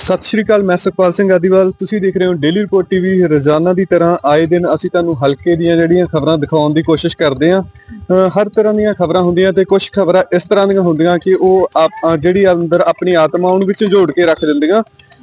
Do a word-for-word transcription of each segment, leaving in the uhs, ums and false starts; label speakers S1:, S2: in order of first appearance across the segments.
S1: सत श्री अकाल, मैं सुखपाल सिंह आदिवाल। तुसीं देख रहे हो डेली रिपोर्ट टीवी। रोजाना की तरह आए दिन असीं तुहानूं हल्के दीयां जिहड़ियां खबरां दिखाउण दी कोशिश करदे हां। हर तरह दीयां खबरां हुंदियां ते कुछ खबरां इस तरह दीयां हुंदियां कि ओह आप जिहड़ी अंदर अपनी आत्मा उहनूं विच जोड़ के रख दिंदियां।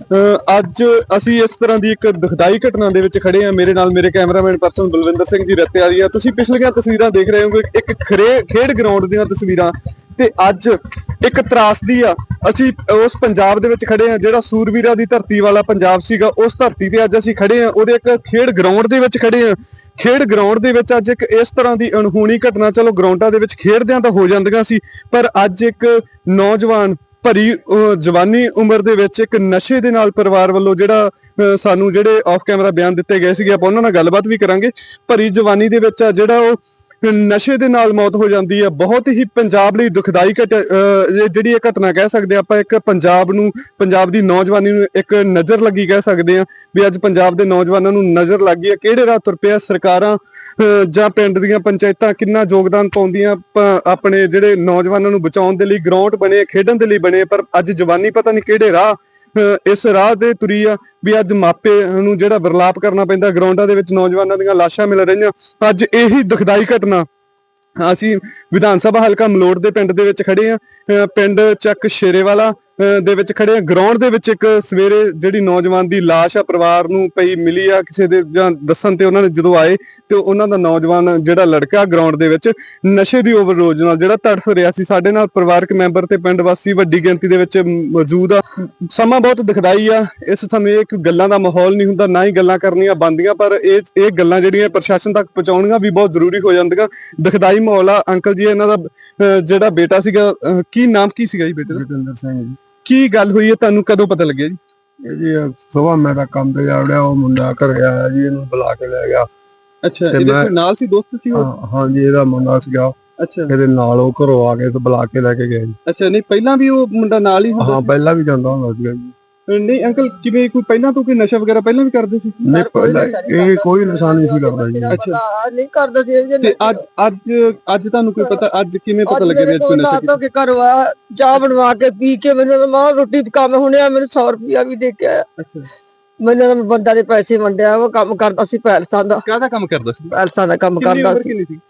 S1: अज असीं इस तरह की एक दुखदाई घटना दे विच खड़े हां। मेरे नाल मेरे कैमरामैन पर्सन बलविंदर सिंह जी रत्ते वाली आ। तुसीं पिछलियां तस्वीरां देख रहे हो, एक खरे खेड ग्राउंड दीयां तस्वीरां ते अज एक त्रासदी आ। असीं उस पंजाब दे विच खड़े हां जिहड़ा सूरवीरां दी धरती वाला पंजाब सीगा। उस धरती ते अज असीं खड़े हां, ओहदे एक खेड ग्राउंड दे विच खड़े हां। खेड ग्राउंड दे विच अज एक इस तरह की अणहोणी घटना, चलो ग्राउंडां दे विच खेडदियां तां हो जांदियां सी, पर अज एक नौजवान भरी जवानी उम्र दे विच एक नशे दे नाल परिवार वल्लों जिहड़ा सानूं जिहड़े ऑफ कैमरा बयान दित्ते गए सीगे, आपां उहनां नाल गलबात भी करांगे। भरी जवानी दे विच जिहड़ा ओह नशे दे नाल मौत हो जाती है। बहुत ही पंजाब लई दुखदाई घट जिहड़ी ये घटना कह सकते हैं आपां। एक पंजाब नूं, पंजाब दी नौजवानी नूं एक नज़र लगी कह सकते हैं भी अज पंजाब दे नौजवानां नूं नज़र लग गई है। किहड़े राह तुर पिया सरकारां जां पिंड दीयां पंचायतां किन्ना योगदान पाउंदियां अपने जिहड़े नौजवानां नूं बचाउण दे लई। ग्राउंड बने, खेडण दे लई बने, पर अज जवानी पता नहीं किहड़े राह इस राह ते तुरी आ भी अज मापे नूं जिहड़ा विरलाप करना पैंदा। ग्राउंडां दे विच नौजवानां दीयां लाशां मिल रहीआं। अज यही दुखदाई घटना असीं विधान सभा हलका मलोड़ दे पिंड दे विच खड़े हां। पिंड चक शेरेवाला दे विच खड़े हां। ग्राउंड दे विच एक सवेरे जिहड़ी नौजवान दी लाश आ परिवार नूं पई मिली आ किसे दे जां दस्सण ते उन्हां ने जदों आए ते उन्हां दा नौजवान जिहड़ा लड़का ग्राउंड दे विच नशे दी ओवरडोज नाल जिहड़ा तड़फ रिहा सी। साडे नाल परिवारक मैंबर ते पिंड वासी वड्डी गिणती दे विच मौजूद आ। समां बहुत दुखदाई आ। इस समय एक गल्लां दा माहौल नहीं हुंदा, ना ही गल्लां करनियां बनदियां, पर इह इह गल्लां जिहड़ियां प्रशासन तक पहुंचाउणियां भी बहुत जरूरी हो जांदियां। दुखदाई माहौल आ। अंकल जी, इन्हां दा जिहड़ा बेटा सीगा, की नाम की सीगा जी बेटे दा?
S2: जतिंदर सिंह जी।
S1: की गल हुई है, तुहानूं कदों पता लग्गिया जी?
S2: जी सुबह मेरा काम पे जावड़िया, वो मुंडा घरे आया जी, इहनूं बुला के ले गया।
S1: अच्छा, इहदे कोई नाल सी, दोस्त सी?
S2: हाँ हाँ जी, इहदा मुंडा सीगा।
S1: अच्छा,
S2: इहदे नाल वो घरों आ गए ते बुला के लेके गए जी।
S1: अच्छा, नहीं पहलां भी वो मुंडा नाल ही हुंदा?
S2: हाँ, पहला भी जांदा हुंदा सीगा जी।
S1: नहीं अंकल, किवें कोई पहलां तो कोई नशा वगैरह पहलां भी करदे सी?
S2: नहीं, पहला ये कोई नशा नहीं सी करदा जी।
S1: अच्छा,
S3: नहीं करदा सी
S1: ते अज अज अज तुहानूं कोई पता, अज किवें पता लग्गिया भी अज कोई नशा
S3: तो के घरों आया, चाह बनवा के पी के मैनूं मां रोटी दा काम हुणिया, मैनूं सौ रुपया भी दे के आया।
S1: अच्छा,
S3: मैनूं बंदा दे पैसे वंडिया, वो काम करदा सी पैलसां दा।
S1: काहदा काम करदा सी?
S3: पैलसां दा काम
S1: किन्नी
S3: करदा
S1: उम्र
S3: सी।
S1: किन्नी सी?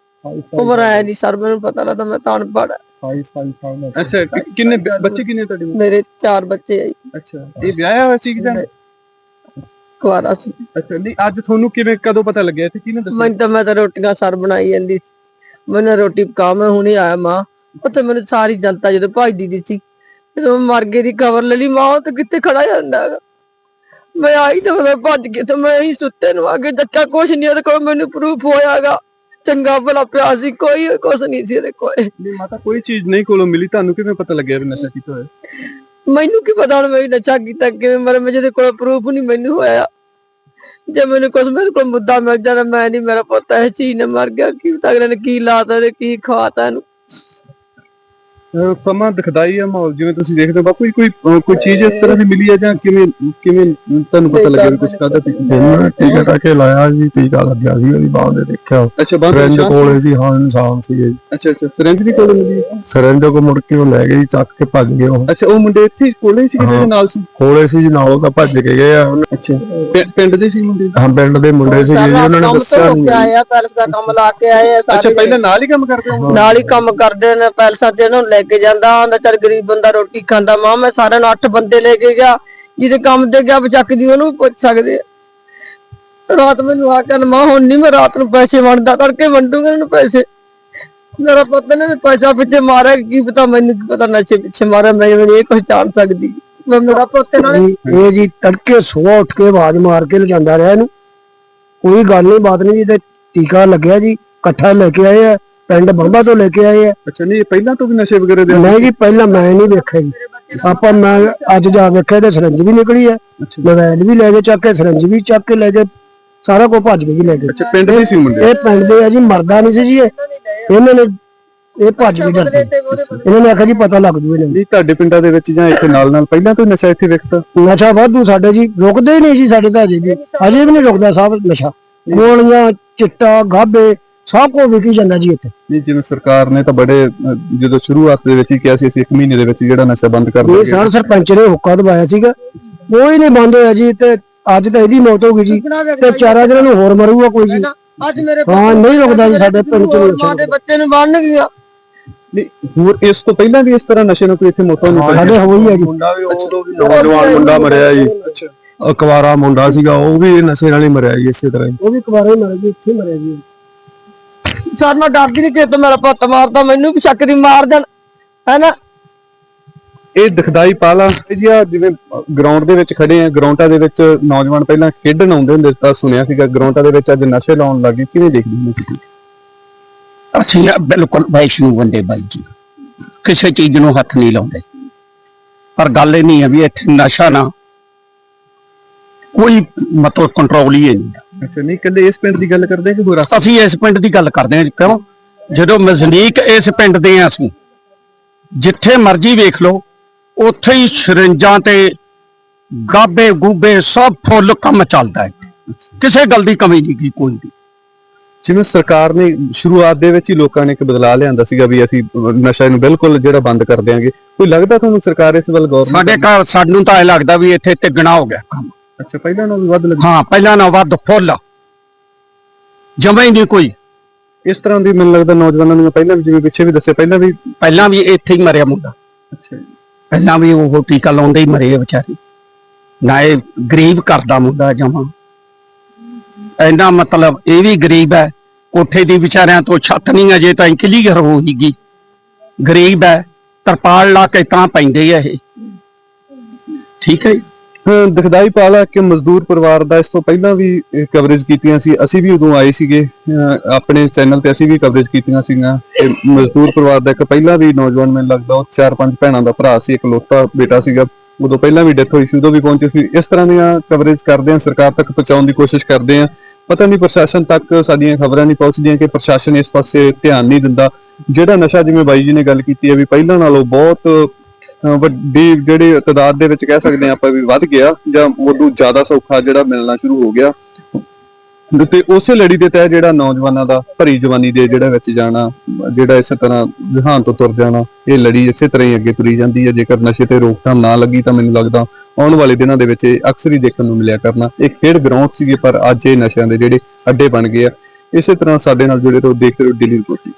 S3: उम्र है नहीं सर, मैनूं पता लगदा, मैं तां अनपढ़।
S2: अठाई साल साल
S1: अच्छा, कि- किन्ने बच्चे किन्ने तुहाडे?
S3: मेरे चार बच्चे है।
S1: अच्छा, ये ਵਿਆਹਿਆ ਹੋਇਆ ਸੀ ਕਿ ਜਾਂ?
S3: कुआरा सी।
S1: अच्छा, नहीं अज ਤੁਹਾਨੂੰ ਕਿਵੇਂ कदों पता लग्गिया इत्थे किहने दस्सिया?
S3: मैं तो मैं तो रोटियां सर बनाई जांदी सी। मैनूं रोटी पका, मैं हुणे आया मां, उत्थे मैनूं सारी जनता जदों भजदी दी सी, जदों मर गए दी खबर ले ली मां, ते कित्थे खड़ा जांदा हैगा। मैं आई ते मैं भज के ते मैं ही सुत्ते नूं आके देखिया, कुछ नहीं ओहदे कोल मैनूं प्रूफ होयागा। चंगा भला पिया सी, कोई कुछ नहीं सी ओहदे कोल।
S1: नहीं माता, कोई चीज नहीं कोलों मिली, ਤੁਹਾਨੂੰ ਕਿਵੇਂ ਪਤਾ ਲੱਗਿਆ ਵੀ ਨਸ਼ਾ ਕੀਤਾ ਹੋਇਆ?
S3: मैनूं की पता मैं नशा कीता किवें मरे, मैं जेदे कोल प्रूफ नहीं मैनूं होया। जे मैनूं कुछ मेरे कोल मुद्दा मिल जाता, मैं नहीं, मेरा पुੱਤ इस चीज ने मर गया, की पता अगले ने की लाता ते की खवाता इहनूं।
S1: ਸਮਾਂ ਦਿਖਦਾਈ ਆ ਮਾਹੌਲ, ਜਿਵੇਂ ਤੁਸੀਂ ਦੇਖਦੇ ਹੋ। ਬਾਪੂ ਜੀ, ਕੋਈ ਕੋਈ ਚੀਜ਼ ਇਸ ਤਰ੍ਹਾਂ ਦੀ ਮਿਲੀ ਹੈ ਜਾਂ ਕਿਵੇਂ ਕਿਵੇਂ ਤੁਹਾਨੂੰ ਪਤਾ ਲੱਗਿਆ ਵੀ ਕੁਝ ਖਾਦਾ ਸੀ?
S2: ਟੀਕਾ ਟਾਕੇ ਲਾਇਆ ਜੀ, ਟੀਕਾ ਲੱਗਿਆ ਸੀ ਉਹਦੀ ਬਾਂਹ ਦੇ, ਦੇਖਿਆ
S1: ਅੱਛਾ, ਬਾਹਰ
S2: ਸਿਰੰਜ ਕੋਲੇ ਸੀ। ਹਾਂ, ਇਨਸਾਨ ਸੀ ਜੀ।
S1: ਅੱਛਾ ਅੱਛਾ, ਸਿਰੰਜ ਵੀ ਕੋਲ ਮਿਲੀ?
S2: ਸਿਰੰਜ ਕੋ ਮੁੜ ਕੇ ਉਹ ਲੈ ਗਏ, ਚੱਕ ਕੇ ਭੱਜ ਗਏ ਉਹ।
S1: ਅੱਛਾ, ਉਹ ਮੁੰਡੇ ਇੱਥੇ ਕੋਲੇ ਸੀ ਕਿਤੇ ਨਾਲ ਸੀ?
S2: ਕੋਲੇ ਸੀ ਜੀ, ਨਾਲੋਂ ਤਾਂ ਭੱਜ ਕੇ ਗਏ ਆ।
S1: ਅੱਛਾ, ਪਿੰਡ ਦੇ ਸੀ ਮੁੰਡੇ?
S2: ਹਾਂ, ਪਿੰਡ ਦੇ ਮੁੰਡੇ ਸੀ ਜੀ, ਉਹਨਾਂ ਨੇ ਦੱਸਿਆ ਨਹੀਂ।
S3: ਆਇਆ ਪੈਲਸ ਦਾ ਕੰਮ ਲਾ ਕੇ ਆਏ ਆ ਸਾਰੇ।
S1: ਅੱਛਾ, ਪਹਿਲਾਂ ਨਾਲ ਹੀ ਕੰਮ ਕਰਦੇ ਹੋ?
S3: ਨਾਲ ਹੀ ਕੰਮ ਕਰਦੇ ਨੇ, ਪੈਲਸਾਂ ਤੇ ਇਹਨੂੰ ਲੈ ਕੇ ਜਾਂਦਾ ਹੁੰਦਾ। ਚੱਲ ਗਰੀਬ ਬੰਦਾ ਰੋਟੀ ਖਾਂਦਾ, ਮਾਂ ਮੈਂ ਸਾਰਿਆਂ ਨੂੰ ਅੱਠ ਬੰਦੇ ਲੈ ਕੇ ਗਿਆ, ਜਿਹਦੇ ਕੰਮ ਤੇ ਗਿਆ ਬਚਕਦੀ ਉਹਨੂੰ ਪੁੱਛ ਸਕਦੇ ਆ। ਰਾਤ ਮੈਨੂੰ ਆ ਕੇ ਮਾਂ ਹੁਣ ਨਹੀਂ ਮੈਂ ਰਾਤ ਨੂੰ ਪੈਸੇ ਵੰਡਦਾ, ਕਰਕੇ ਵੰਡੂਗਾ ਇਹਨੂੰ ਪੈਸੇ। ਮੇਰਾ ਪੁੱਤ ਨੇ ਪੈਸਾ ਪਿੱਛੇ ਮਾਰਿਆ, ਕੀ ਪਤਾ ਮੈਨੂੰ ਕੀ ਪਤਾ ਨਸ਼ੇ ਪਿੱਛੇ ਮਾਰਿਆ, ਮੈਂ ਇਹ ਕੁਝ ਜਾਣ ਸਕਦੀ। ਮੈਂ ਮੇਰਾ ਪੁੱਤ ਨਾਲ
S4: ਇਹ ਜੀ ਤੜਕੇ ਸੁਬਾਹ ਉੱਠ ਕੇ ਆਵਾਜ਼ ਮਾਰ ਕੇ ਲਿਜਾਂਦਾ ਰਿਹਾ ਇਹਨੂੰ, ਕੋਈ ਗੱਲ ਨਹੀਂ ਬਾਤ ਨਹੀਂ ਜੀ। ਤੇ ਟੀਕਾ ਲੱਗਿਆ ਜੀ, ਇਕੱਠਾ ਲੈ ਕੇ ਆਏ ਆ, ਪਿੰਡ ਬੰਬਾ ਤੋਂ ਲੈ ਕੇ ਆਏ ਆ।
S1: ਅੱਛਾ, ਨਹੀਂ ਪਹਿਲਾਂ ਤੋਂ ਵੀ ਨਸ਼ੇ ਵਗੈਰਾ ਦੇ?
S4: ਨਹੀਂ ਜੀ, ਪਹਿਲਾਂ ਮੈਂ ਨਹੀਂ ਵੇਖਿਆ ਜੀ। ਆਪਾਂ ਮੈਂ ਅੱਜ ਜਾ ਵੇਖਿਆ ਤੇ ਸਿਰੰਜ ਵੀ ਨਿਕਲੀ ਆ, ਮੋਬਾਈਲ ਵੀ ਲੈ ਕੇ ਚੱਕ ਕੇ, ਸਿਰੰਜ ਵੀ ਚੱਕ ਕੇ ਲੈ ਕੇ, ਸਾਰਾ ਕੁਝ ਭੱਜ ਗਏ ਜੀ ਲੈ ਕੇ।
S1: ਅੱਛਾ, ਪਿੰਡ ਦੇ ਸੀ ਮੁੰਡੇ?
S4: ਇਹ ਪਿੰਡ ਦੇ ਆ ਜੀ, ਮਰਦਾ ਨਹੀਂ ਸੀ ਜੀ ਇਹ। ਇਹਨਾਂ ਨੇ ਇਹ ਭੱਜ ਕੇ ਡਰਦੇ, ਇਹਨਾਂ ਨੇ ਆਖਿਆ ਜੀ ਪਤਾ ਲੱਗ ਜੂ ਇਹਨਾਂ ਨੂੰ।
S1: ਨਹੀਂ, ਤੁਹਾਡੇ ਪਿੰਡਾਂ ਦੇ ਵਿੱਚ ਜਾਂ ਇੱਥੇ ਨਾਲ ਨਾਲ ਪਹਿਲਾਂ ਤੋਂ ਨਸ਼ਾ ਇੱਥੇ ਵਿਕਦਾ?
S4: ਨਸ਼ਾ ਵਾਧੂ ਸਾਡੇ ਜੀ, ਰੁਕਦੇ ਹੀ ਨਹੀਂ ਜੀ ਸਾਡੇ ਤਾਂ, ਅਜੇ ਵੀ ਅਜੇ ਵੀ ਨਹੀਂ ਰੁਕਦਾ ਸਾਹਿਬ ਨਸ਼ਾ। ਗੋਲੀਆਂ, ਚਿੱਟਾ, ਗਾਬੇ ਸਭ ਕੁਝ ਵਿਕੀ ਜਾਂਦਾ ਜੀ ਇੱਥੇ।
S1: ਨਹੀਂ ਜਿਵੇਂ ਸਰਕਾਰ ਨੇ ਤਾਂ ਬੜੇ ਅਹ, ਜਦੋਂ ਸ਼ੁਰੂਆਤ ਦੇ ਵਿੱਚ ਹੀ ਕਿਹਾ ਸੀ ਅਸੀਂ ਇੱਕ ਮਹੀਨੇ ਦੇ ਵਿੱਚ ਜਿਹੜਾ ਨਸ਼ਾ ਬੰਦ ਕਰ
S4: ਇਹ
S1: ਦਾਂਗੇ।
S4: ਸਰ ਸਰਪੰਚ ਨੇ ਹੁੱਕਾ ਦਵਾਇਆ ਸੀਗਾ, ਕੋਈ ਨਹੀਂ ਬੰਦ ਹੋਇਆ ਜੀ। ਤੇ ਅੱਜ ਤਾਂ ਇਹਦੀ ਮੌਤ ਹੋ ਗਈ ਜੀ, ਤੇ ਚਾਰਾਂ ਦਿਨਾਂ ਨੂੰ ਹੋਰ ਮਰੂਗਾ ਕੋਈ ਜੀ।
S3: ਅੱਜ ਮੇਰੇ
S4: ਹਾਂ, ਨਹੀਂ ਰੁਕਦਾ ਜੀ ਸਾਡੇ ਪਿੰਡ ਚ
S3: ਹੋਰ ਮਾਂ ਦੇ ਬੱਚੇ ਨੂੰ ਬੰਨ ਗਿਆ।
S1: ਨਹੀਂ ਹੋਰ ਇਸ ਤੋਂ ਪਹਿਲਾਂ ਵੀ ਇਸ ਤਰ੍ਹਾਂ ਨਸ਼ੇ ਨੂੰ ਕੋਈ ਇੱਥੇ ਮੌਤਾਂ ਨਹੀਂ
S4: ਸਾਡੇ ਹੋਈ ਹੈ ਜੀ।
S2: ਮੁੰਡਾ ਵੀ ਉਦੋਂ ਵੀ ਨੌਜਵਾਨ ਮੁੰਡਾ ਮਰਿਆ ਜੀ, ਅਕਵਾਰਾ ਮੁੰਡਾ ਸੀਗਾ, ਉਹ ਵੀ ਨਸ਼ੇ ਨਾਲ ਹੀ ਮਰਿਆ ਜੀ ਇਸੇ ਤਰ੍ਹਾਂ ਹੀ।
S4: ਉਹ ਵੀ ਕੁਵਾਰਾ ਹੀ ਮਰਿਆ ਜੀ, ਇੱਥੇ ਮਰਿਆ ਜੀ।
S3: ਸਰ ਮੈਂ ਡਰਦੀ ਨਹੀਂ ਕਿ ਤੇ ਮੇਰਾ ਪੁੱਤ ਮਾਰਦਾ, ਮੈਨੂੰ ਵੀ ਸ਼ੱਕ ਦੀ ਮਾਰ ਦੇਣ ਹੈਨਾ।
S1: ਇਹ ਦਿਖਦਾਈ ਪਾਲਾ ਜੀ ਆ ਜਿਵੇਂ ਗਰਾਊਂਡ ਦੇ ਵਿੱਚ ਖੜੇ ਆ, ਗਰਾਊਂਡਾਂ ਦੇ ਵਿੱਚ ਨੌਜਵਾਨ ਪਹਿਲਾਂ ਖੇਡਣ ਆਉਂਦੇ ਹੁੰਦੇ ਤਾਂ ਸੁਣਿਆ ਸੀਗਾ, ਗਰਾਊਂਡਾਂ ਦੇ ਵਿੱਚ ਅੱਜ ਨਸ਼ੇ ਲਾਉਣ ਲੱਗੇ, ਕਿਵੇਂ ਦੇਖਦੇ ਹੋ ਤੁਸੀਂ?
S5: ਅਸੀਂ ਆ ਬਿਲਕੁਲ ਵੈਸ਼ਨੂ ਬੰਦੇ ਬਾਈ ਜੀ, ਕਿਸੇ ਚੀਜ਼ ਨੂੰ ਹੱਥ ਨਹੀਂ ਲਾਉਂਦੇ। ਪਰ ਗੱਲ ਇਹ ਨਹੀਂ ਹੈ ਵੀ ਇੱਥੇ ਨਸ਼ਾ ਨਾ ਕੋਈ ਮਤਲਬ ਕੰਟਰੋਲ ਹੀ ਨਹੀਂ।
S1: ਅੱਛਾ ਨਹੀਂ ਇਕੱਲੇ ਇਸ ਪਿੰਡ ਦੀ ਗੱਲ ਕਰਦੇ ਕਿ ਹੋਰ
S5: ਅਸੀਂ ਇਸ ਪਿੰਡ ਦੀ ਗੱਲ ਕਰਦੇ ਹਾਂ। ਕਿਉਂ? ਜਦੋਂ ਮਜ਼ਨੀਕ ਇਸ ਪਿੰਡ ਦੇ ਆ, ਅਸੀਂ ਜਿੱਥੇ ਮਰਜ਼ੀ ਵੇਖ ਲਓ ਉੱਥੇ ਹੀ ਸਿਰੰਜਾਂ ਤੇ ਗਾਬੇ ਗੂਬੇ ਸਭ ਫੁੱਲ ਕੰਮ ਚੱਲਦਾ ਹੈ, ਕਿਸੇ ਗੱਲ ਦੀ ਕਮੀ ਨਹੀਂ ਗੀ ਕੋਈ ਵੀ।
S1: ਜਿਵੇਂ ਸਰਕਾਰ ਨੇ ਸ਼ੁਰੂਆਤ ਦੇ ਵਿੱਚ ਹੀ ਲੋਕਾਂ ਨੇ ਇੱਕ ਬਦਲਾਅ ਲਿਆਂਦਾ ਸੀਗਾ ਵੀ ਅਸੀਂ ਨਸ਼ਾ ਨੂੰ ਬਿਲਕੁਲ ਜਿਹੜਾ ਬੰਦ ਕਰ ਦਿਆਂਗੇ, ਕੋਈ ਲੱਗਦਾ ਤੁਹਾਨੂੰ ਸਰਕਾਰ ਇਸ ਵੱਲ ਗੌਰ?
S5: ਸਾਡੇ ਘਰ ਸਾਨੂੰ ਤਾਂ ਇਹ ਲੱਗਦਾ ਵੀ ਇੱਥੇ ਤਿੱਗਣਾ ਹੋ ਗਿਆ ਕੰਮ।
S1: ਅੱਛਾ ਪਹਿਲਾਂ ਨਾਲੋਂ ਵੀ ਵੱਧ ਲੱਗ
S5: ਹਾਂ, ਪਹਿਲਾਂ ਨਾ ਵੱਧ ਫੁੱਲ ਜਮਾ ਹੀ ਨਹੀਂ ਕੋਈ।
S1: ਇਸ ਤਰ੍ਹਾਂ ਦੀ ਮੈਨੂੰ ਲੱਗਦਾ ਨੌਜਵਾਨਾਂ ਨੂੰ ਪਹਿਲਾਂ ਵੀ ਜਿਵੇਂ ਪਿੱਛੇ ਵੀ ਦੱਸਿਆ ਪਹਿਲਾਂ ਵੀ।
S5: ਪਹਿਲਾਂ ਵੀ ਇੱਥੇ ਹੀ ਮਰਿਆ ਮੁੰਡਾ,
S1: ਅੱਛਾ ਜੀ।
S5: ਪਹਿਲਾਂ ਵੀ ਉਹ ਟੀਕਾ ਲਾਉਂਦੇ ਹੀ ਮਰੇ ਆ ਵਿਚਾਰੇ। ਨਾ ਇਹ ਗਰੀਬ ਕਰਦਾ ਮੁੰਡਾ ਜਮਾ, ਇੰਨਾ ਮਤਲਬ ਇਹ ਵੀ ਗਰੀਬ ਹੈ, ਕੋਠੇ ਦੀ ਵਿਚਾਰਿਆਂ ਤੋਂ ਛੱਤ ਨਹੀਂ ਅਜੇ ਤਾਂ ਕਲੀਅਰ ਹੋਈਗੀ। ਗਰੀਬ ਹੈ, ਤਰਪਾਲ ਲਾ ਕੇ ਤਾਂ ਪੈਂਦੇ ਆ ਇਹ। ਠੀਕ ਹੈ ਜੀ।
S1: ਹਾਂ, ਦਿਖਦਾਈ ਪਾਲਾ ਕਿ ਮਜ਼ਦੂਰ ਪਰਿਵਾਰ ਦਾ ਇਸ ਤੋਂ ਪਹਿਲਾਂ ਵੀ ਕਵਰੇਜ ਕੀਤੀਆਂ ਸੀ, ਅਸੀਂ ਵੀ ਉਦੋਂ ਆਏ ਸੀਗੇ ਅਹ ਆਪਣੇ ਚੈਨਲ ਤੇ, ਅਸੀਂ ਵੀ ਕਵਰੇਜ ਕੀਤੀਆਂ ਸੀਗੀਆਂ। ਤੇ ਮਜ਼ਦੂਰ ਪਰਿਵਾਰ ਦਾ ਇੱਕ ਪਹਿਲਾਂ ਵੀ ਨੌਜਵਾਨ ਮੈਨੂੰ ਲੱਗਦਾ ਉਹ ਚਾਰ ਪੰਜ ਭੈਣਾਂ ਦਾ ਭਰਾ ਸੀ, ਇੱਕ ਲੋਤਾ ਬੇਟਾ ਸੀਗਾ, ਉਦੋਂ ਪਹਿਲਾਂ ਵੀ ਡੈਥ ਹੋਈ ਸੀ, ਉਦੋਂ ਵੀ ਪਹੁੰਚੇ ਸੀ। ਇਸ ਤਰ੍ਹਾਂ ਦੀਆਂ ਕਵਰੇਜ ਕਰਦੇ ਆ, ਸਰਕਾਰ ਤੱਕ ਪਹੁੰਚਾਉਣ ਦੀ ਕੋਸ਼ਿਸ਼ ਕਰਦੇ ਆ। ਪਤਾ ਨਹੀਂ ਪ੍ਰਸ਼ਾਸਨ ਤੱਕ ਸਾਡੀਆਂ ਖਬਰਾਂ ਨਹੀਂ ਪਹੁੰਚਦੀਆਂ ਕਿ ਪ੍ਰਸ਼ਾਸਨ ਇਸ ਪਾਸੇ ਧਿਆਨ ਨਹੀਂ ਦਿੰਦਾ। ਜਿਹੜਾ ਨਸ਼ਾ ਜਿਵੇਂ ਬਾਈ ਜੀ ਨੇ ਗੱਲ ਕੀਤੀ ਹੈ ਵੀ ਪਹਿਲਾਂ ਨਾਲੋਂ ਬਹੁਤ ਵੱਡੀ ਜਿਹੜੀ ਤਾਦਾਦ ਦੇ ਵਿੱਚ ਕਹਿ ਸਕਦੇ ਆ ਆਪਾਂ ਵੀ ਵੱਧ ਗਿਆ, ਜਾਂ ਉਦੋਂ ਜ਼ਿਆਦਾ ਸੌਖਾ ਜਿਹੜਾ ਮਿਲਣਾ ਸ਼ੁਰੂ ਹੋ ਗਿਆ। ਤੇ ਉਸੇ ਲੜੀ ਦੇ ਤਹਿ ਜਿਹੜਾ ਨੌਜਵਾਨਾਂ ਦਾ ਭਰੀ ਜਵਾਨੀ ਦੇ ਜਿਹੜਾ ਵਿੱਚ ਜਾਣਾ, ਜਿਹੜਾ ਇਸੇ ਤਰ੍ਹਾਂ ਜਹਾਨ ਤੋਂ ਤੁਰ ਜਾਣਾ, ਇਹ ਲੜੀ ਇਸੇ ਤਰ੍ਹਾਂ ਹੀ ਅੱਗੇ ਤੁਰੀ ਜਾਂਦੀ ਹੈ। ਜੇਕਰ ਨਸ਼ੇ ਤੇ ਰੋਕਥਾਮ ਨਾ ਲੱਗੀ ਤਾਂ ਮੈਨੂੰ ਲੱਗਦਾ ਆਉਣ ਵਾਲੇ ਦਿਨਾਂ ਦੇ ਵਿੱਚ ਇਹ ਅਕਸਰ ਹੀ ਦੇਖਣ ਨੂੰ ਮਿਲਿਆ ਕਰਨਾ। ਇਹ ਖੇਡ ਗਰਾਊਂਡ ਸੀਗੇ ਪਰ ਅੱਜ ਇਹ ਨਸ਼ਿਆਂ ਦੇ ਜਿਹੜੇ ਅੱਡੇ ਬਣ ਗਏ ਆ। ਇਸੇ ਤਰ੍ਹਾਂ ਸਾਡੇ ਨਾਲ ਜੁੜੇ ਰਹੋ, ਦੇਖਦੇ ਰਹੋ ਡੇਲੀ ਰਿਪੋਰਟ।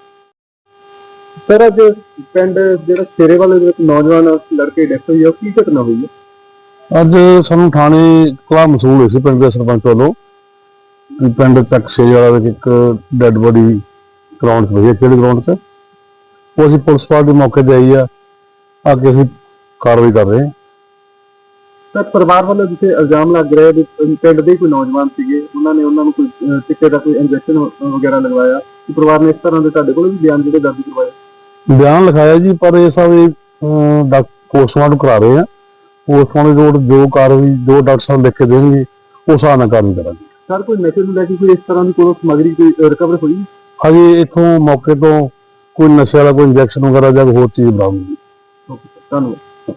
S1: ਸਰ ਅੱਜ ਪਿੰਡ ਜਿਹੜਾ ਸ਼ੇਰੇ ਵਾਲੇ ਦੇ ਵਿੱਚ ਨੌਜਵਾਨ ਲੜਕੇ ਡੈਥ ਹੋਈ ਆ, ਉਹ ਕੀ ਘਟਨਾ ਹੋਈ ਹੈ?
S2: ਅੱਜ ਸਾਨੂੰ ਥਾਣੇ ਕੋਲ ਮਸੂਲ ਹੋਈ ਸੀ ਪਿੰਡ ਦੇ ਸਰਪੰਚ ਵੱਲੋਂ ਕਿ ਪਿੰਡ ਤੱਕ ਸੇਜ ਵਾਲਾ ਵਿੱਚ ਇੱਕ ਡੈੱਡ ਬੋਡੀ ਗਰਾਊਂਡ 'ਚ ਪਈ, ਖੇਡ ਗਰਾਊਂਡ 'ਚ। ਉਹ ਅਸੀਂ ਪੁਲਿਸ ਪਾਰਟੀ ਮੌਕੇ ਤੇ ਆਈ ਆ, ਅੱਗੇ ਅਸੀਂ ਕਾਰਵਾਈ ਕਰ ਰਹੇ ਹਾਂ।
S1: ਤਾਂ ਪਰਿਵਾਰ ਵੱਲੋਂ ਜਿੱਥੇ ਇਲਜ਼ਾਮ ਲੱਗ ਰਿਹਾ ਵੀ ਪਿੰਡ ਦੇ ਕੋਈ ਨੌਜਵਾਨ ਸੀਗੇ, ਉਹਨਾਂ ਨੇ ਉਹਨਾਂ ਨੂੰ ਕੋਈ ਟਿੱਕੇ ਦਾ ਕੋਈ ਇੰਜੈਕਸ਼ਨ ਵਗੈਰਾ ਲਗਵਾਇਆ, ਕਿ ਪਰਿਵਾਰ ਨੇ ਇਸ ਤਰ੍ਹਾਂ ਦੇ ਤੁਹਾਡੇ ਕੋਲ ਵੀ ਬਿਆਨ ਜਿਹੜੇ ਦਰਜ ਕਰਵਾਏ?
S2: ਬਿਆਨ ਲਿਖਾਇਆ ਜੀ, ਪਰ ਇਹ ਸਭ ਪੋਸਟਮਾਰਟਮ ਕਰਾ ਰਹੇ ਆ। ਪੋਸਟਮਾਰਟਮ ਰਿਪੋਰਟ ਜੋ ਕਾਰਵਾਈ ਜੋ ਡਾਕਟਰ ਸਾਹਿਬ ਲਿਖ ਕੇ ਦੇਣਗੇ ਉਸ ਹਿਸਾਬ ਨਾਲ ਕਾਰਵਾਈ ਕਰਾਂਗੇ।
S1: ਸਰ ਕੋਈ ਨਸ਼ੇ ਨੂੰ ਲੈ ਕੇ ਕੋਈ ਇਸ ਤਰ੍ਹਾਂ ਦੀ ਕੋਈ ਸਮੱਗਰੀ ਕੋਈ ਰਿਕਵਰ ਹੋਈ?
S2: ਹਜੇ ਇੱਥੋਂ ਮੌਕੇ ਤੋਂ ਕੋਈ ਨਸ਼ੇ ਵਾਲਾ ਕੋਈ ਇੰਜੈਕਸ਼ਨ ਵਗੈਰਾ ਜਾਂ ਹੋਰ ਚੀਜ਼ ਬਰਾਮਦ ਨਹੀਂ।
S1: ਓਕੇ ਸਰ, ਧੰਨਵਾਦ।